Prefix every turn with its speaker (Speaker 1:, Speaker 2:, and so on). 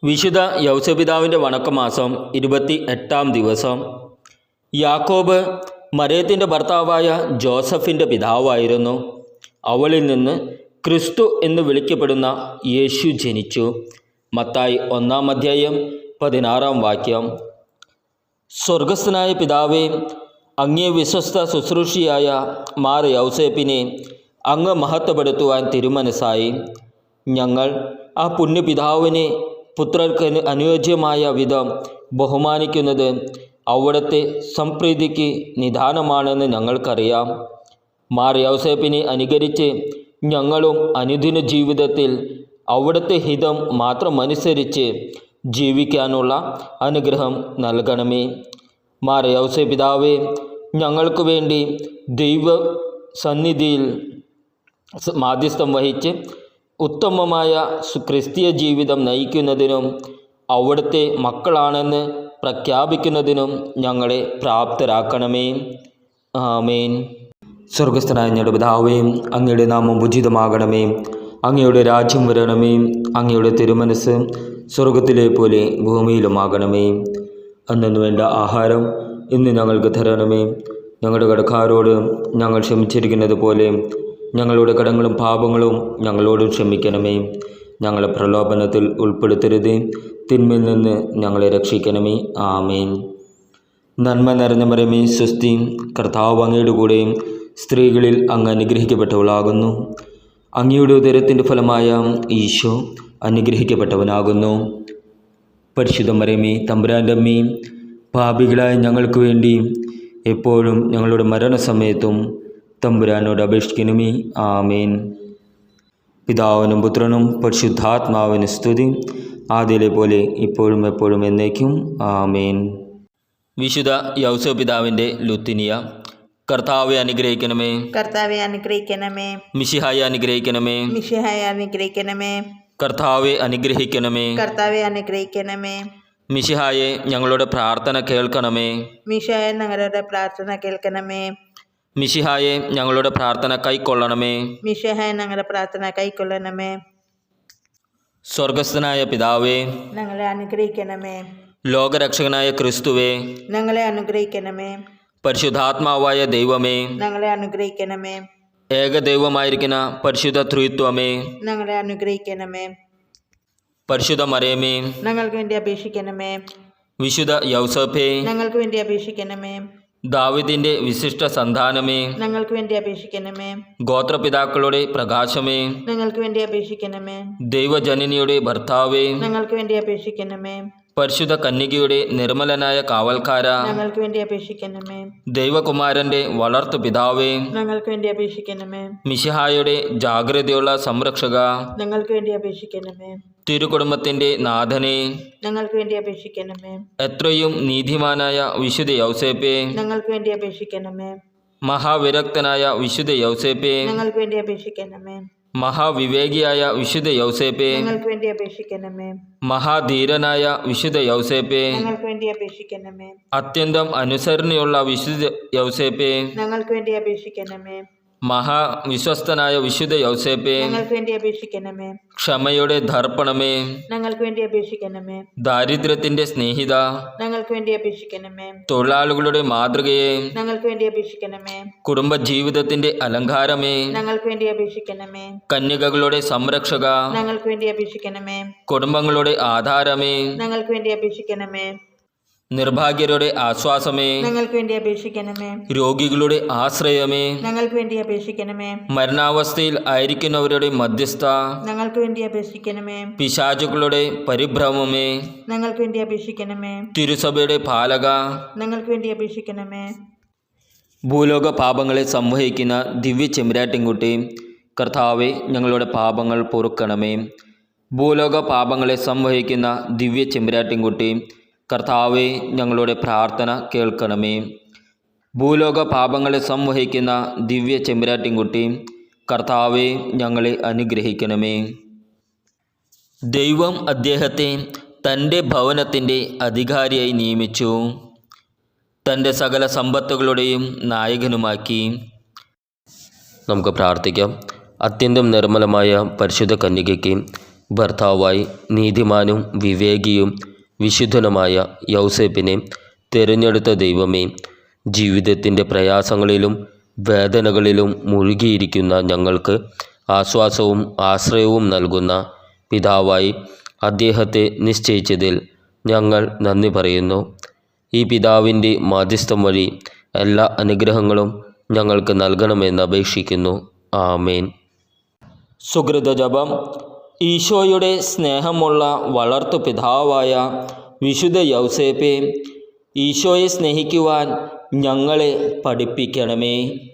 Speaker 1: വിശുദ്ധ യൗസപിതാവിൻ്റെ വണക്കമാസം 28-ാം ദിവസം. യാക്കോബ് മറിയത്തിൻ്റെ ഭർത്താവായ ജോസഫിൻ്റെ പിതാവായിരുന്നു. അവളിൽ നിന്ന് ക്രിസ്തു എന്ന് വിളിക്കപ്പെടുന്ന യേശു ജനിച്ചു. മത്തായി 1-ാം അധ്യായം 16-ാം വാക്യം. സ്വർഗസ്ഥനായ പിതാവേ, അങ്ങേ വിശ്വസ്ത ശുശ്രൂഷിയായ മാർ യൗസേപ്പിനെ അങ്ങ് മഹത്വപ്പെടുത്തുവാൻ തിരുമനസ്സായി. ഞങ്ങൾ ആ പുണ്യപിതാവിനെ പുത്രർക്ക് അനുയോജ്യമായ വിധം ബഹുമാനിക്കുന്നത് അവിടുത്തെ സംപ്രീതിക്ക് നിദാനമാണെന്ന് ഞങ്ങൾക്കറിയാം. മാർ യൗസേപ്പിനെ അനുകരിച്ച് ഞങ്ങളും അനുദിന ജീവിതത്തിൽ അവിടുത്തെ ഹിതം മാത്രമനുസരിച്ച് ജീവിക്കാനുള്ള അനുഗ്രഹം നൽകണമേ. മാർ യൗസേപിതാവേ, ഞങ്ങൾക്ക് വേണ്ടി ദൈവ സന്നിധിയിൽ മാധ്യസ്ഥം വഹിച്ച് ഉത്തമമായ ക്രിസ്തീയ ജീവിതം നയിക്കുന്നതിനും അവിടുത്തെ മക്കളാണെന്ന് പ്രഖ്യാപിക്കുന്നതിനും ഞങ്ങളെ പ്രാപ്തരാക്കണമേ. ആമേൻ. സ്വർഗസ്ഥനായ ഞങ്ങളുടെ പിതാവേ, അങ്ങയുടെ നാമം ഉചിതമാകണമേ. അങ്ങയുടെ രാജ്യം വരണമേ. അങ്ങയുടെ തിരുമനസ് സ്വർഗത്തിലെ പോലെ ഭൂമിയിലുമാകണമേ. അന്നു വേണ്ട ആഹാരം ഇന്ന് ഞങ്ങൾക്ക് തരണമേ. ഞങ്ങളുടെ കടക്കാരോട് ഞങ്ങൾ ക്ഷമിച്ചിരിക്കുന്നത് പോലെ ഞങ്ങളുടെ കടങ്ങളും പാപങ്ങളും ഞങ്ങളോട് ക്ഷമിക്കണമേ. ഞങ്ങളെ പ്രലോഭനത്തിൽ ഉൾപ്പെടുത്തരുത്, തിന്മയിൽ നിന്ന് ഞങ്ങളെ രക്ഷിക്കണമേ. ആമേൻ. നന്മ നിറഞ്ഞ മറിയമേ, സ്വസ്തി, കർത്താവ് അങ്ങയുടെ കൂടെ സ്ത്രീകളിൽ അങ്ങ് അനുഗ്രഹിക്കപ്പെട്ടവളാകുന്നു. അങ്ങയുടെ ഉദരത്തിൻ്റെ ഫലമായ ഈശോ അനുഗ്രഹിക്കപ്പെട്ടവനാകുന്നു. പരിശുദ്ധ മറിയമേ, തമ്പുരാൻ്റെ അമ്മേ, പാപികളായ ഞങ്ങൾക്ക് വേണ്ടി എപ്പോഴും ഞങ്ങളുടെ മരണസമയത്തും തമ്പുരാനോട് അപേക്ഷിക്കണമേ. ആമേൻ. പിതാവിനും പുത്രനും പരിശുദ്ധാത്മാവിന് സ്തുതി, ആദ്യയിലെ പോലെ ഇപ്പോഴും എപ്പോഴും എന്നേക്കും. ആമേൻ. വിശുദ്ധ യൗസപിതാവിൻ്റെ ലുത്തിനിയ. കർത്താവെ അനുഗ്രഹിക്കണമേ.
Speaker 2: കർത്താവെ അനുഗ്രഹിക്കണമേ.
Speaker 1: മിശിഹായെ അനുഗ്രഹിക്കണമേ.
Speaker 2: മിശിഹായെ അനുഗ്രഹിക്കണമേ.
Speaker 1: കർത്താവെ അനുഗ്രഹിക്കണമേ.
Speaker 2: കർത്താവെ അനുഗ്രഹിക്കണമേ.
Speaker 1: മിശിഹായെ ഞങ്ങളുടെ പ്രാർത്ഥന കേൾക്കണമേ.
Speaker 2: മിശിഹായെ ഞങ്ങളുടെ പ്രാർത്ഥന കേൾക്കണമേ.
Speaker 1: മിശിഹായെ ഞങ്ങളുടെ പ്രാർത്ഥന കൈക്കൊള്ളണമേ.
Speaker 2: മിശിഹായെ ഞങ്ങളുടെ പ്രാർത്ഥന കൈക്കൊള്ളണമേ.
Speaker 1: സ്വർഗസ്ഥനായ പിതാവേ,
Speaker 2: ഞങ്ങളെ അനുഗ്രഹിക്കണമേ.
Speaker 1: ലോകരക്ഷകനായ ക്രിസ്തുവേ,
Speaker 2: ഞങ്ങളെ അനുഗ്രഹിക്കണമേ.
Speaker 1: പരിശുദ്ധാത്മാവായ ദൈവമേ,
Speaker 2: ഞങ്ങളെ അനുഗ്രഹിക്കണമേ.
Speaker 1: ഏകദൈവമായിരിക്കുന്ന പരിശുദ്ധ ത്രിത്വമേ,
Speaker 2: ഞങ്ങളെ അനുഗ്രഹിക്കണമേ.
Speaker 1: പരിശുദ്ധ മറിയമേ,
Speaker 2: ഞങ്ങൾക്ക് വേണ്ടി അപേക്ഷിക്കണമേ.
Speaker 1: വിശുദ്ധ യൗസേപ്പേ,
Speaker 2: ഞങ്ങൾക്ക് വേണ്ടി അപേക്ഷിക്കണമേ.
Speaker 1: ദാവീദിന്റെ വിശിഷ്ട സന്താനമേ,
Speaker 2: ഞങ്ങൾക്ക് വേണ്ടി അപേക്ഷിക്കണമേ.
Speaker 1: ഗോത്രപിതാക്കളുടെ പ്രകാശമേ,
Speaker 2: ഞങ്ങൾക്ക് വേണ്ടി അപേക്ഷിക്കണമേ.
Speaker 1: ദൈവജനനിയുടെ ഭർത്താവേ,
Speaker 2: ഞങ്ങൾക്ക് വേണ്ടി അപേക്ഷിക്കണമേ.
Speaker 1: പരിശുദ്ധ കന്യകയുടെ നിർമ്മലനായ കാവൽക്കാര,
Speaker 2: ഞങ്ങൾക്ക് വേണ്ടി അപേക്ഷിക്കണമേ.
Speaker 1: ദൈവകുമാരന്റെ വളർത്തു പിതാവേ,
Speaker 2: ഞങ്ങൾക്ക് വേണ്ടി അപേക്ഷിക്കണമേ.
Speaker 1: മിശിഹായുടെ ജാഗ്രതയുള്ള സംരക്ഷക,
Speaker 2: ഞങ്ങൾക്ക് വേണ്ടി അപേക്ഷിക്കണമേ.
Speaker 1: തിരുകുടുംബത്തിന്റെ നാഥനെ,
Speaker 2: ഞങ്ങൾക്ക് വേണ്ടി അപേക്ഷിക്കണമേ.
Speaker 1: എത്രയും നീതിമാനായ വിശുദ്ധ യൗസേപ്പേ,
Speaker 2: ഞങ്ങൾക്ക് വേണ്ടി അപേക്ഷിക്കണമേ.
Speaker 1: മഹാവിരക്തനായ വിശുദ്ധ യൗസേപ്പേ,
Speaker 2: ഞങ്ങൾക്ക് വേണ്ടി അപേക്ഷിക്കണമേ.
Speaker 1: മഹാവിവേകിയായ വിശുദ്ധ യൗസേപ്പേ,
Speaker 2: ഞങ്ങൾക്ക് വേണ്ടി അപേക്ഷിക്കണമേ.
Speaker 1: മഹാധീരനായ വിശുദ്ധ യൗസേപ്പേ,
Speaker 2: ഞങ്ങൾക്ക് വേണ്ടി അപേക്ഷിക്കണമേ.
Speaker 1: അത്യന്തം അനുസരണയുള്ള വിശുദ്ധ യൗസേപ്പേ,
Speaker 2: ഞങ്ങൾക്ക് വേണ്ടി അപേക്ഷിക്കണമേ.
Speaker 1: മഹാവിശ്വസ്തനായ വിശുദ്ധ യൗസേപ്പേ,
Speaker 2: ഞങ്ങൾക്ക് വേണ്ടി അപേക്ഷിക്കണമേ.
Speaker 1: ക്ഷമയുടെ ദർപ്പണമേ,
Speaker 2: ഞങ്ങൾക്ക് വേണ്ടി അപേക്ഷിക്കണമേ.
Speaker 1: ദാരിദ്ര്യത്തിന്റെ സ്നേഹിത,
Speaker 2: ഞങ്ങൾക്ക് വേണ്ടി അപേക്ഷിക്കണമേ.
Speaker 1: തൊഴിലാളികളുടെ മാതൃകയെ,
Speaker 2: ഞങ്ങൾക്ക് വേണ്ടി അപേക്ഷിക്കണമേ.
Speaker 1: കുടുംബജീവിതത്തിന്റെ അലങ്കാരമേ,
Speaker 2: ഞങ്ങൾക്ക് വേണ്ടി അപേക്ഷിക്കണമേ.
Speaker 1: കന്യകകളുടെ സംരക്ഷക,
Speaker 2: ഞങ്ങൾക്ക് വേണ്ടി അപേക്ഷിക്കണമേ.
Speaker 1: കുടുംബങ്ങളുടെ ആധാരമേ,
Speaker 2: ഞങ്ങൾക്ക് വേണ്ടി അപേക്ഷിക്കണമേ.
Speaker 1: നിർഭാഗ്യരുടെ ആശ്വാസമേ,
Speaker 2: ഞങ്ങൾക്ക് വേണ്ടി അപേക്ഷിക്കണമേ.
Speaker 1: രോഗികളുടെ ആശ്രയമേ,
Speaker 2: ഞങ്ങൾക്ക് വേണ്ടി അപേക്ഷിക്കണമേ.
Speaker 1: മരണാവസ്ഥയിൽ ആയിരിക്കുന്നവരുടെ മധ്യസ്ഥ,
Speaker 2: ഞങ്ങൾക്ക് വേണ്ടി അപേക്ഷിക്കണമേ.
Speaker 1: പിശാചുക്കളുടെ പരിഭ്രമമേ,
Speaker 2: ഞങ്ങൾക്ക് വേണ്ടി അപേക്ഷിക്കണമേ.
Speaker 1: തിരുസഭയുടെ പാലക,
Speaker 2: ഞങ്ങൾക്ക് വേണ്ടി അപേക്ഷിക്കണമേ.
Speaker 1: ഭൂലോക പാപങ്ങളെ സംവഹിക്കുന്ന ദിവ്യ ചെമ്പരാട്ടിൻകുട്ടി, കർത്താവെ ഞങ്ങളുടെ പാപങ്ങൾ പൊറുക്കണമേ. ഭൂലോക പാപങ്ങളെ സംവഹിക്കുന്ന ദിവ്യ ചെമ്പരാട്ടിൻകുട്ടി, കർത്താവെ ഞങ്ങളുടെ പ്രാർത്ഥന കേൾക്കണമേ. ഭൂലോക പാപങ്ങളെ സംവഹിക്കുന്ന ദിവ്യ ചെമ്പരാട്ടിൻകുട്ടി, കർത്താവെ ഞങ്ങളെ അനുഗ്രഹിക്കണമേ. ദൈവം അദ്ദേഹത്തെ തൻ്റെ ഭവനത്തിൻ്റെ അധികാരിയായി നിയമിച്ചു, തൻ്റെ സകല സമ്പത്തുകളുടെയും നായകനുമാക്കി. നമുക്ക് പ്രാർത്ഥിക്കാം. അത്യന്തം നിർമ്മലമായ പരിശുദ്ധ കന്യകയ്ക്ക് ഭർത്താവായി നീതിമാനും വിവേകിയും വിശുദ്ധനുമായ യൗസേപ്പിനെ തിരഞ്ഞെടുത്ത ദൈവമേ, ജീവിതത്തിൻ്റെ പ്രയാസങ്ങളിലും വേദനകളിലും മുഴുകിയിരിക്കുന്ന ഞങ്ങൾക്ക് ആശ്വാസവും ആശ്രയവും നൽകുന്ന പിതാവായി അദ്ദേഹത്തെ നിശ്ചയിച്ചതിൽ ഞങ്ങൾ നന്ദി പറയുന്നു. ഈ പിതാവിൻ്റെ മാധ്യസ്ഥം വഴി എല്ലാ അനുഗ്രഹങ്ങളും ഞങ്ങൾക്ക് നൽകണമെന്ന് അപേക്ഷിക്കുന്നു. ആമേൻ. സുകൃത ജപം. ഈശോയുടെ സ്നേഹമുള്ള വളർത്തു പിതാവായ വിശുദ്ധ യൗസേപ്പെ, ഈശോയെ സ്നേഹിക്കുവാൻ ഞങ്ങളെ പഠിപ്പിക്കണമേ.